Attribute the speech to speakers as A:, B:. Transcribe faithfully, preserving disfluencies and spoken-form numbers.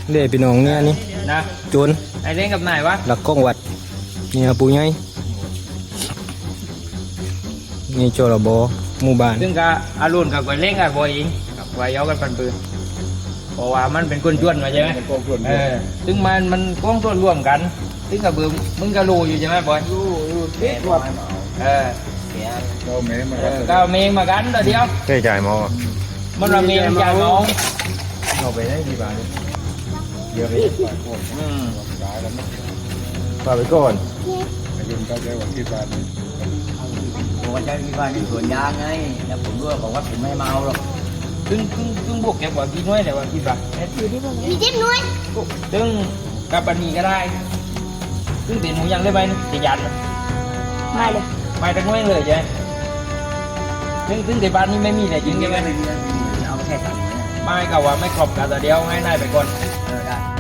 A: เด้พี่น้องเนี่ยนี่
B: นะ
A: จน
B: ไอเล่นกับไหนวะ
A: หลักกล้องวัดเนี่ยปูใหญ่นี่โจระบอหมู่บ้าน
B: ซึ่งก็อารุณกับไอเล่นกับบอยอิงกับไวย้อกันปันปืนเพราะว่ามันเป็นคนชวนมาใช่ไหมเออซึ่งมันมันก้องส่วนร่วมกันซึ่งกับเบื่อมึงก็รู้อยู่ใช่ไหมบอยรู้รู้เด็ดว่าเออเก้าเมงมากันเก้าเมงมากันตัวเดียว
A: ใช่จ่ายมอ
B: มันเราเมงจ่ายมอง
A: เอาไปได้กี่บาทเยอะไป
B: อืม
A: ฝากไปก่อน
C: ยืมก็ใช้วันที่บ้าน
B: ผมว่าใช้ที่บ้านที่สวนยางไงแล้วผมด้วยบอกว่าผมไม่เมาหรอกซึ่งซึ่งซึ่งพวกแกบอกกี่น้อยแต่ว่ากี่บาท
D: มีจิ้มน้อย
B: ซึ่งกับบันนี้ก็ได้ซึ่งเป็นหมูยังได้ไหมจะยัน
D: ไม่เลย
B: ไม่ตั้งน้อยเลยใช่ซึ่งซึ่งในบ้านนี้ไม่มีแต่จริงใช่ไหม
D: เอาแค่สั่ง
B: ไม่ก็ว่าไม่ครบกันแต่เดียวให้นายไปก่อน
D: เออได้